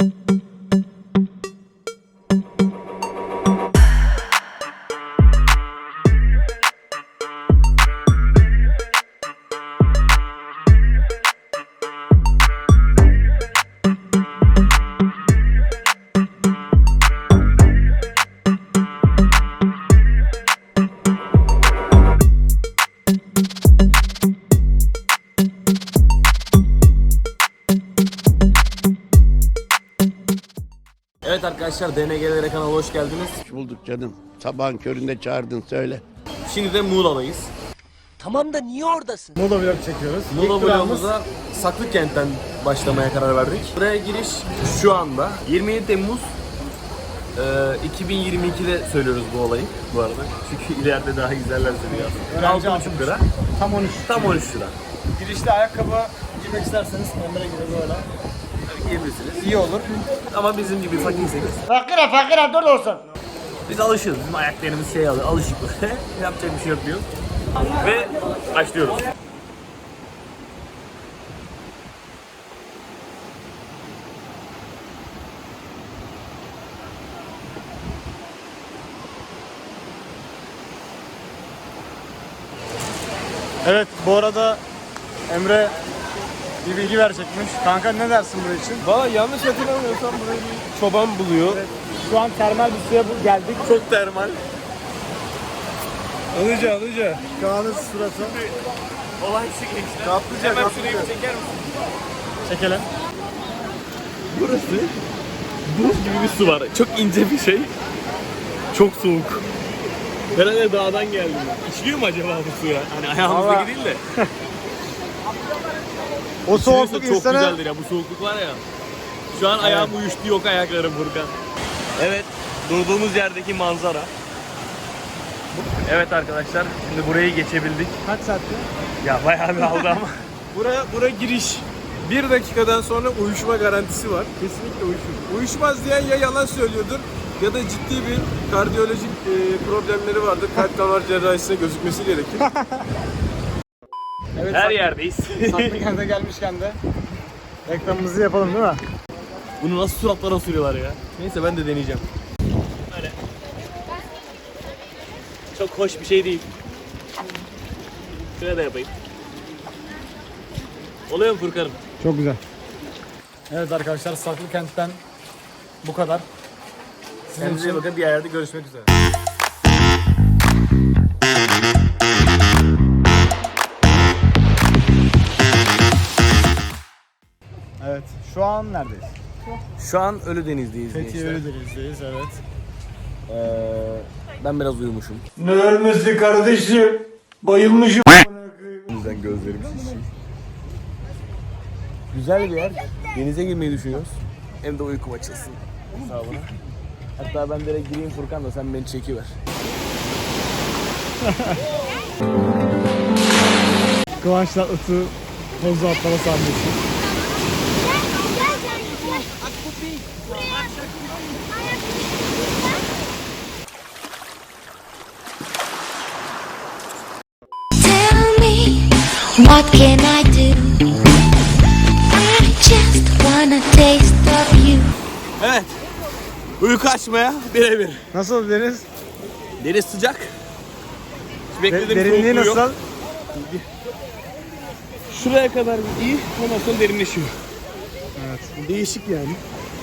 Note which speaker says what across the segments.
Speaker 1: Evet arkadaşlar, DNG'lere kanalına hoş geldiniz.
Speaker 2: Hoş bulduk canım. Sabahın köründe çağırdın, söyle.
Speaker 1: Şimdi de Muğla'dayız.
Speaker 3: Tamam da niye oradasın?
Speaker 4: Muğla vlog çekiyoruz.
Speaker 1: Muğla vlogumuza Saklıkent'ten başlamaya karar verdik. Buraya giriş şu anda 27 Temmuz 2022'de söylüyoruz bu olayı bu arada. Çünkü ileride daha güzeller söylüyor. 6,5 lira.
Speaker 4: Tam 13.
Speaker 1: Tam 13 lira.
Speaker 4: Girişte ayakkabı giymek isterseniz Emre gibi böyle.
Speaker 1: Yiyebilirsiniz.
Speaker 4: İyi olur.
Speaker 1: Ama bizim gibi fakirseniz.
Speaker 4: Fakire dur olsun.
Speaker 1: Biz alışırız. Bizim ayaklarımız şey alıyor. Alışık böyle. Yapacak bir şey yok diyor. Ve başlıyoruz.
Speaker 4: Evet, bu arada Emre bir bilgi verecekmiş. Kanka ne dersin bunun için?
Speaker 5: Valla yanlış hatırlamıyorsam burayı bir çoban buluyor.
Speaker 4: Evet, şu an termal bir suya geldik.
Speaker 1: Çok termal.
Speaker 5: Alıca.
Speaker 4: Kaan'ın sırası.
Speaker 1: Olay şu gençler.
Speaker 5: Kaplıca.
Speaker 1: Şurayı bir çeker misin?
Speaker 4: Çekelim.
Speaker 1: Burası buz gibi bir su var. Çok ince bir şey. Çok soğuk. Herhalde dağdan geldim. İçiliyor mu acaba bu suya? Hani ayağımızdaki değil de.
Speaker 4: O soğukluk
Speaker 1: İçilirse çok
Speaker 4: insana...
Speaker 1: güzeldir ya. Bu soğukluk var ya. Şu an ayağım uyuştu, yok ayaklarım Furkan. Evet, durduğumuz yerdeki manzara. Evet arkadaşlar, şimdi burayı geçebildik.
Speaker 4: Kaç saatte?
Speaker 1: Ya bayağı bir aldı ama.
Speaker 5: Buraya giriş. 1 dakikadan sonra uyuşma garantisi var. Kesinlikle uyuşur. Uyuşmaz diyen ya yalan söylüyordur ya da ciddi bir kardiyolojik problemleri vardır. Kalp damar cerrahisine gözükmesi gerekir.
Speaker 4: Evet,
Speaker 1: Her yerdeyiz.
Speaker 4: Saklıkent'e gelmişken de reklamımızı yapalım değil mi?
Speaker 1: Bunu nasıl suratlara sürüyorlar ya? Neyse ben de deneyeceğim. Böyle. Çok hoş bir şey değil. Şöyle de yapayım. Oluyor mu Furkan'ım?
Speaker 4: Çok güzel. Evet arkadaşlar, Saklıkent'ten bu kadar.
Speaker 1: Kendinize iyi bakın, bir yerde görüşmek üzere.
Speaker 4: Evet, şu an neredeyiz?
Speaker 1: Şu an Ölüdeniz'deyiz
Speaker 4: Fethiye
Speaker 1: gençler.
Speaker 4: Ölüdeniz'deyiz, evet.
Speaker 1: Ben biraz uyumuşum.
Speaker 4: Ne ölmesi kardeşim? Bayılmışım.
Speaker 1: O yüzden gözlerim şişiyor. Güzel bir yer. Denize girmeyi düşünüyoruz. Hem de uykum açılsın hesabına. Hatta ben direkt gireyim Furkan da sen beni çekiver.
Speaker 4: Kıvanç'la Itı Tozu atlama sahnesi.
Speaker 6: Tell me, what can I do? I just wanna taste of you.
Speaker 1: Evet. Uyku açmaya birebir.
Speaker 4: Nasıl deniz?
Speaker 1: Deniz sıcak. Beklediğim
Speaker 4: Derinliği
Speaker 1: soğukluğu yok.
Speaker 4: nasıl?
Speaker 1: Şuraya kadar iyi, ondan sonra derinleşiyor.
Speaker 4: Evet.
Speaker 1: Değişik yani.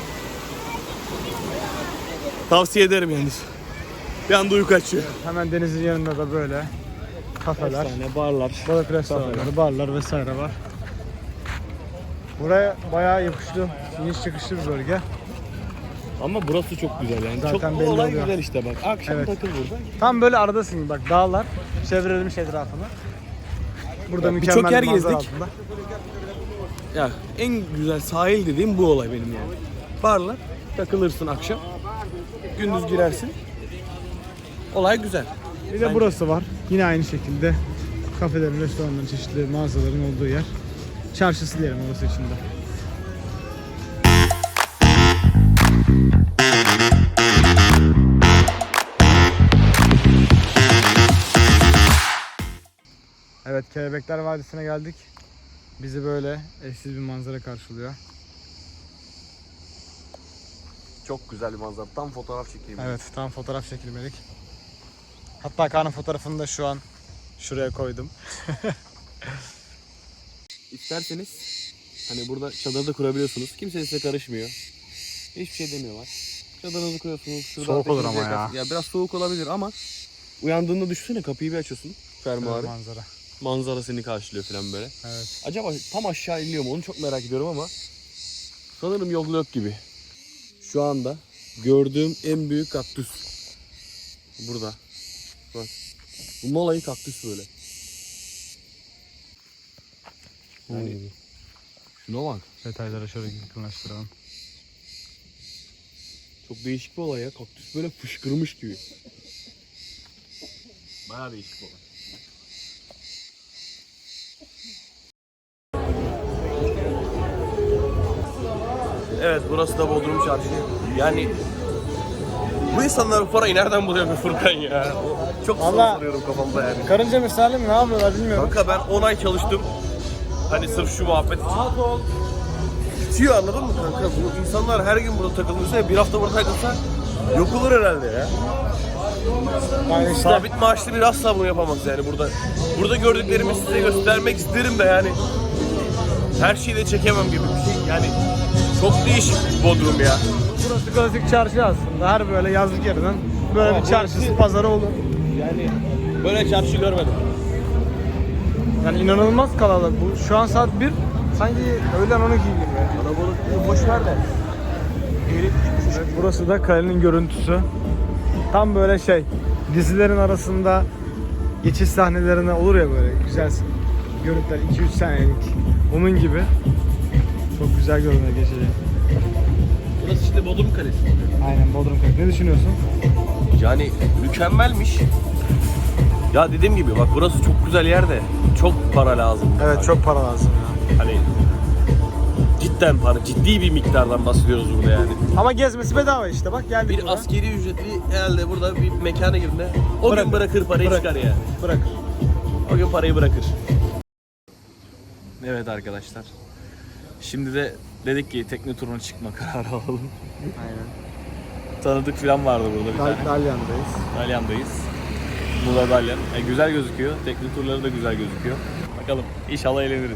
Speaker 1: Tavsiye ederim yalnız. Bir anda uyku açıyor.
Speaker 4: Hemen denizin yanında da böyle kafeler,
Speaker 1: barlar.
Speaker 4: balık restoranları, barlar vesaire var. Buraya bayağı yakışlı, iniş çıkışlı bir bölge.
Speaker 1: Ama burası çok güzel yani.
Speaker 4: Zaten
Speaker 1: çok
Speaker 4: belli
Speaker 1: olay
Speaker 4: oluyor.
Speaker 1: güzel işte bak. Akşam
Speaker 4: Evet.
Speaker 1: takıl burada.
Speaker 4: Tam böyle aradasın gibi, bak dağlar çevrilmiş etrafını. Burada
Speaker 1: Ya
Speaker 4: mükemmel
Speaker 1: birçok yer
Speaker 4: bir manzara
Speaker 1: gezdik.
Speaker 4: altında.
Speaker 1: Ya en güzel sahil dediğim bu olay benim yani. Barlar, takılırsın akşam. Gündüz girersin. Olay güzel.
Speaker 4: Bir de burası var. Yine aynı şekilde kafelerin, restoranların, çeşitli mağazaların olduğu yer. Çarşısı diyelim orası içinde. Evet, Kelebekler Vadisi'ne geldik. Bizi böyle eşsiz bir manzara karşılıyor.
Speaker 1: Çok güzel bir manzara. Tam fotoğraf çekeyim.
Speaker 4: Evet, tam fotoğraf çekilmelik. Hatta Kaan'ın fotoğrafını da şu an şuraya koydum.
Speaker 1: İsterseniz hani burada çadırda kurabiliyorsunuz. Kimse size karışmıyor. Hiçbir şey demiyorlar. Çadırınızı kuruyorsunuz. Şurada
Speaker 4: Soğuk olur
Speaker 1: ateşinizi
Speaker 4: ama ya.
Speaker 1: yakarsınız. Ya biraz soğuk olabilir ama uyandığında düşünsene, kapıyı bir açıyorsun. Fermuarı.
Speaker 4: Manzara.
Speaker 1: Manzara seni karşılıyor falan böyle.
Speaker 4: Evet.
Speaker 1: Acaba tam aşağı iniliyor mu onu çok merak ediyorum ama sanırım yol yok gibi. Şu anda gördüğüm en büyük kaktüs. Burada. Bak. Bu molayı kaktüs böyle. Yani şuna bak.
Speaker 4: Detaylara şöyle yakınlaştıralım.
Speaker 1: Çok değişik bir olay ya. Kaktüs böyle fışkırmış gibi. Bayağı değişik bir olay. Evet, burası da Bodrum Çarşı. Yani bu insanlar bu parayı nereden buluyor be Furkan ya? Çok soru
Speaker 4: Vallahi-
Speaker 1: soruyorum kafamda yani.
Speaker 4: Karınca misali mi? Ne yapıyorlar bilmiyorum.
Speaker 1: Kanka ben 10 ay çalıştım. Hani sırf şu muhabbet için. Bitiyor, anladın mı kanka? Bu insanlar her gün burada takılırsa, bir hafta burada takılsa yok olur herhalde ya.
Speaker 4: Yani işte
Speaker 1: Sabit maaşlı bir asla bunu yapamaz yani burada. Burada gördüklerimi size göstermek isterim de yani. Her şeyi de çekemem gibi bir şey. Yani çok değişik Bodrum ya.
Speaker 4: burası klasik çarşı aslında. Her böyle yazlık yerinin böyle
Speaker 1: Ama
Speaker 4: bir çarşısı,
Speaker 1: burası-
Speaker 4: pazarı olur.
Speaker 1: Yani böyle çarşı görmedim.
Speaker 4: Yani inanılmaz kalabalık. Bu şu an saat 1. Sanki öğlen 12 gibi.
Speaker 1: Kalabalık boş ver de.
Speaker 4: Burası da kalenin görüntüsü. Tam böyle şey, dizilerin arasında geçiş sahnelerine olur ya böyle güzel görüntüler, 2-3 saniyelik. Onun gibi. Çok güzel görünüyor geçeceği.
Speaker 1: Burası işte Bodrum Kalesi.
Speaker 4: Aynen, Bodrum Kalesi. Ne düşünüyorsun?
Speaker 1: Yani mükemmelmiş. Ya dediğim gibi bak, burası çok güzel yerde. Çok para lazım.
Speaker 4: Evet, çok para lazım ya.
Speaker 1: Hani cidden para, ciddi bir miktardan bahsediyoruz burada yani.
Speaker 4: Ama gezmesi bedava işte, bak geldik
Speaker 1: Bir
Speaker 4: buraya.
Speaker 1: askeri ücretli herhalde burada bir mekana girdiğinde o gün bırakır parayı, çıkar yani.
Speaker 4: Bırak.
Speaker 1: O gün parayı bırakır. Evet arkadaşlar. Şimdi de dedik ki tekne turuna çıkma kararı alalım.
Speaker 4: Aynen.
Speaker 1: Tanıdık falan vardı burada bir tane.
Speaker 4: Dalyan'dayız.
Speaker 1: Dalyan'dayız. Muğla Dalyan. Güzel gözüküyor. Tekne turları da güzel gözüküyor. Bakalım, inşallah eğleniriz.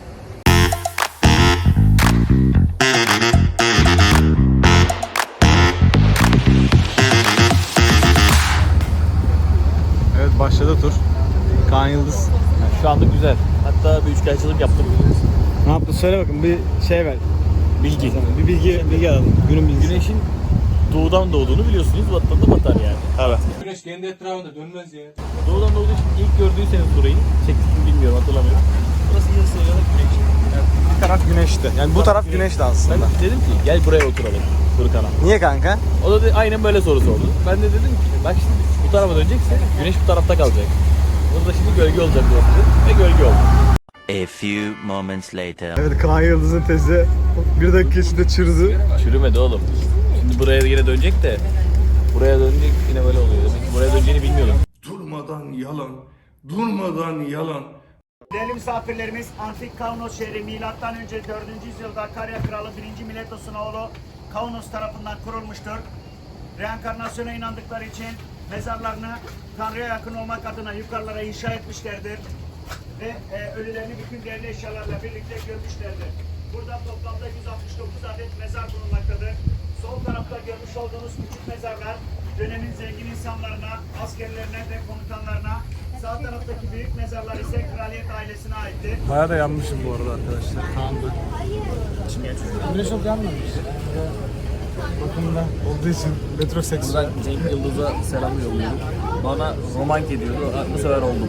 Speaker 4: Evet, başladı tur. Kaan Yıldız.
Speaker 1: Şu anda güzel. Hatta bir üçkağıtçılık yaptım.
Speaker 4: Ne yaptı? Söyle bakın, bir şey ver.
Speaker 1: Bilgi.
Speaker 4: Bir bilgi alalım. Günün bilgisi.
Speaker 1: Güneşin doğudan doğduğunu biliyorsunuz. Batıdan da batar yani. Evet.
Speaker 5: Güneş kendi etrafında dönmez ya.
Speaker 1: Doğudan doğduğu için ilk gördüyseniz burayı, çektim bilmiyorum, hatırlamıyorum. Burası yarısı yarısı güneş.
Speaker 4: Bir taraf güneşti. Yani bu taraf güneşti aslında.
Speaker 1: Ben dedim ki gel buraya oturalım Furkan'a.
Speaker 4: Niye kanka?
Speaker 1: O da aynen böyle soru sordu. Ben de dedim ki bak şimdi bu tarafa dönecekse güneş bu tarafta kalacak. Burada şimdi gölge olacak burası ve gölge oldu.
Speaker 7: A few moments later.
Speaker 4: Evet, Kaan Yıldız'ın tezi bir dakika içinde çırdı.
Speaker 1: Çürümedi oğlum. Şimdi buraya yine dönecek de buraya dönecek yine böyle oluyor. Demek ki buraya döneceğini bilmiyordum.
Speaker 8: Durmadan yalan, durmadan yalan.
Speaker 9: Değerli misafirlerimiz, antik Kaunos şehri milattan önce 4. yüzyılda Karya Kralı 1. Miletos'un oğlu Kaunos tarafından kurulmuştur. Reenkarnasyona inandıkları için mezarlarını Tanrı'ya yakın olmak adına yukarılara inşa etmişlerdir. Ve ölülerini bütün değerli eşyalarla birlikte gömmüşlerdir. Burada toplamda 169 adet mezar bulunmaktadır. Sol tarafta görmüş olduğunuz küçük mezarlar dönemin zengin insanlarına, askerlerine ve komutanlarına, sağ taraftaki büyük mezarlar ise kraliyet ailesine aittir.
Speaker 4: Bayağı da yanmışım bu arada arkadaşlar. Kaan'da. Güneş çok yanmamış. Bakımda olduğu için metroseksüel.
Speaker 1: Buradan Cenk Yıldız'a selam yolluyorum. Bana romantik ediyordu. Bu sefer oldum.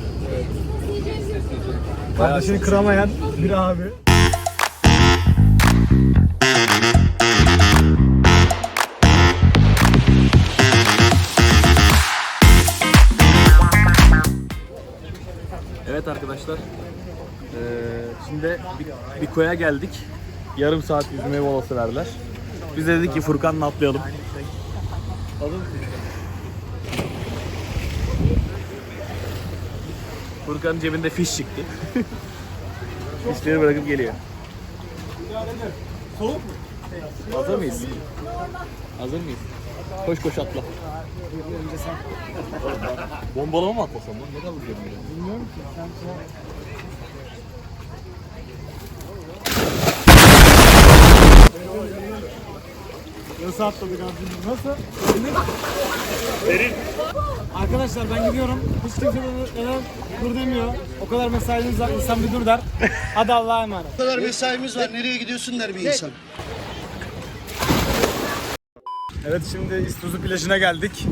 Speaker 4: Kardeşini kıramayan bir abi.
Speaker 1: Evet arkadaşlar. Şimdi bir koya geldik. Yarım saat yüzmeye molası verdiler. Biz de dedik ki Furkan'la atlayalım. Furkan'ın cebinde fiş çıktı. Fişleri bırakıp geliyor.
Speaker 4: Soğuk mu?
Speaker 1: Hazır mıyız? Hazır mıyız? Koş koş atla. Bombalama mı atlasam lan? Ne kadar vuracağım böyle?
Speaker 4: Bilmiyorum ki. Sen Nasıl atladık abi? Nasıl? Derin. Arkadaşlar ben gidiyorum. Hiç kimse neden dur demiyor. O kadar mesaimiz var. İnsan bir dur der. Hadi Allah'a emanet.
Speaker 2: Bu kadar mesaimiz var. Nereye gidiyorsun der bir insan.
Speaker 4: Evet şimdi İztuzu plajına geldik.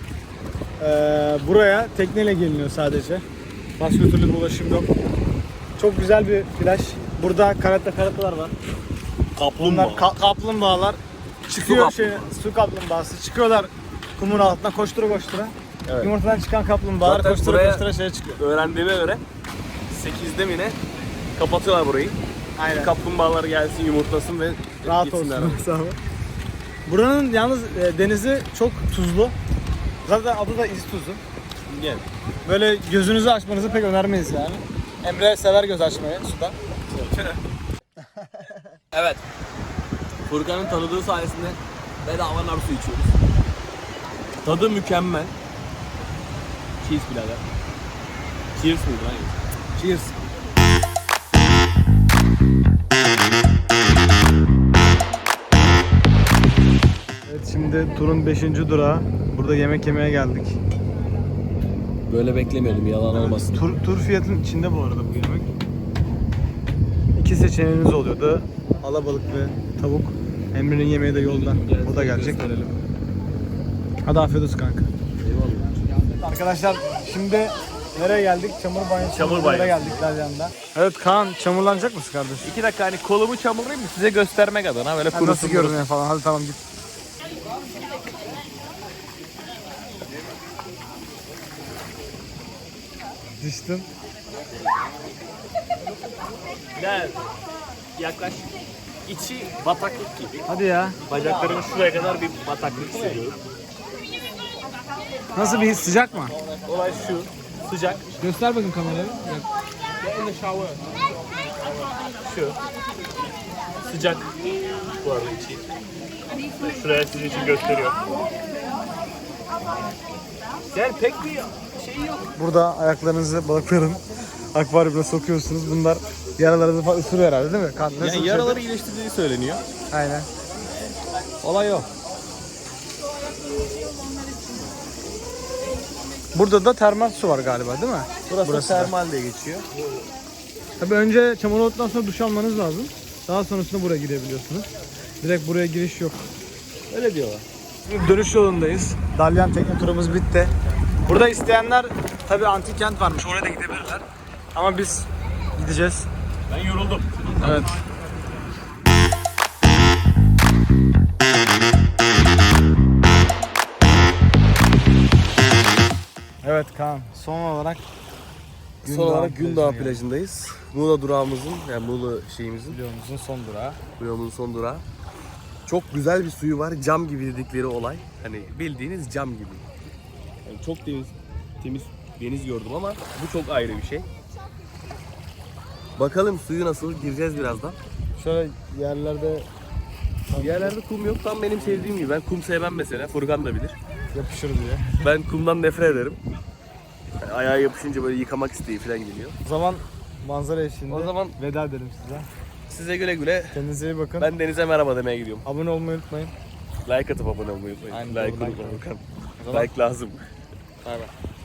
Speaker 4: Buraya tekneyle geliniyor sadece. Başka türlü bir ulaşım yok. Çok güzel bir plaj. Burada karatalar var. Bunlar kaplumbağalar. Çıkıyor su kaplumbağası. Çıkıyorlar kumun altına koştura koştura.
Speaker 1: Evet.
Speaker 4: Yumurtadan çıkan kaplumbağalar
Speaker 1: Zaten
Speaker 4: koştura
Speaker 1: buraya-
Speaker 4: koştura şeye çıkıyor.
Speaker 1: Öğrendiğime göre 8'de mi ne kapatıyorlar burayı.
Speaker 4: Aynen.
Speaker 1: Kaplumbağalar gelsin yumurtlasın ve
Speaker 4: Rahat
Speaker 1: gitsinler.
Speaker 4: olsun. Sağ ol. Buranın yalnız denizi çok tuzlu. Zaten adı da İztuzu.
Speaker 1: Gel.
Speaker 4: Böyle gözünüzü açmanızı pek önermeyiz yani. Emre sever göz açmayı suda.
Speaker 1: Evet. Furkan'ın tanıdığı sayesinde bedava nar su içiyoruz. Tadı mükemmel. Cheers birader. Cheers mıydı lan?
Speaker 4: Cheers. Evet şimdi turun 5. durağı. Burada yemek yemeye geldik.
Speaker 1: Böyle beklemiyordum, yalan olmasın.
Speaker 4: Tur fiyatın içinde bu arada bu yemek. İki seçeneğiniz oluyordu. Alabalık ve tavuk. Emre'nin yemeği de yoldan. O da gelecek. Hadi afiyet olsun kanka.
Speaker 1: Eyvallah.
Speaker 4: Arkadaşlar şimdi nereye geldik? Çamur banyosu.
Speaker 1: Çamur banyosu.
Speaker 4: geldik Dalyan'da. Evet Kaan çamurlanacak mısın kardeşim?
Speaker 1: 2 dakika hani kolumu çamurlayayım mı size göstermek adına böyle
Speaker 4: Nasıl
Speaker 1: kurusun.
Speaker 4: görünüyor falan. Hadi tamam git. Düştün.
Speaker 1: Gel. Yaklaş. İçi bataklık gibi.
Speaker 4: Hadi ya.
Speaker 1: Bacaklarımın şuraya kadar bir bataklık hissediyorum.
Speaker 4: Nasıl bir his? Sıcak mı?
Speaker 1: Olay şu. Sıcak.
Speaker 4: Göster bakayım kamerayı.
Speaker 1: Şu. Sıcak. Bu arada içi. Şuraya sizin için gösteriyor. Yani pek bir şey yok.
Speaker 4: Burada ayaklarınızı balıkların akvaryumuna sokuyorsunuz. Bunlar yaralarınızı falan ısırıyor herhalde değil mi? Kan, nasıl bir
Speaker 1: Yani
Speaker 4: şey?
Speaker 1: yaraları iyileştirdiği söyleniyor.
Speaker 4: Aynen.
Speaker 1: Olay o.
Speaker 4: Burada da termal su var galiba değil mi?
Speaker 1: Burası termal diye geçiyor.
Speaker 4: Tabii önce çamur olduktan sonra duş almanız lazım. Daha sonrasında buraya girebiliyorsunuz. Direkt buraya giriş yok.
Speaker 1: Öyle diyorlar.
Speaker 4: Şimdi dönüş yolundayız. Dalyan tekne turumuz bitti. Burada isteyenler tabii antik kent varmış. Oraya da gidebilirler. Ama biz gideceğiz.
Speaker 1: Ben yoruldum.
Speaker 4: Evet. Evet Kaan. Son olarak
Speaker 1: Son olarak Gündağ plajındayız. Muğla durağımızın, yani Muğla şeyimizin,
Speaker 4: videomuzun son durağı.
Speaker 1: Muğla'nın son durağı. Çok güzel bir suyu var. Cam gibi dedikleri olay. Hani bildiğiniz cam gibi. Yani çok temiz deniz gördüm ama bu çok ayrı bir şey. Bakalım suyu nasıl, gireceğiz birazdan.
Speaker 4: Şöyle yerlerde
Speaker 1: Yerlerde kum yok. Tam benim sevdiğim gibi. Ben kum sevmem mesela. Furkan da bilir.
Speaker 4: yapışır diye.
Speaker 1: Ben kumdan nefret ederim. Yani ayağa yapışınca böyle yıkamak isteği falan geliyor.
Speaker 4: O zaman manzara eşliğinde
Speaker 1: O zaman
Speaker 4: veda edelim size.
Speaker 1: size güle güle.
Speaker 4: Kendinize iyi bakın.
Speaker 1: Ben denize merhaba demeye gidiyorum.
Speaker 4: Abone olmayı unutmayın.
Speaker 1: Like atıp abone olmayı unutmayın.
Speaker 4: Aynen,
Speaker 1: Like
Speaker 4: doğru,
Speaker 1: unutma
Speaker 4: like.
Speaker 1: Furkan.
Speaker 4: O zaman-
Speaker 1: Like lazım.
Speaker 4: Bay bay.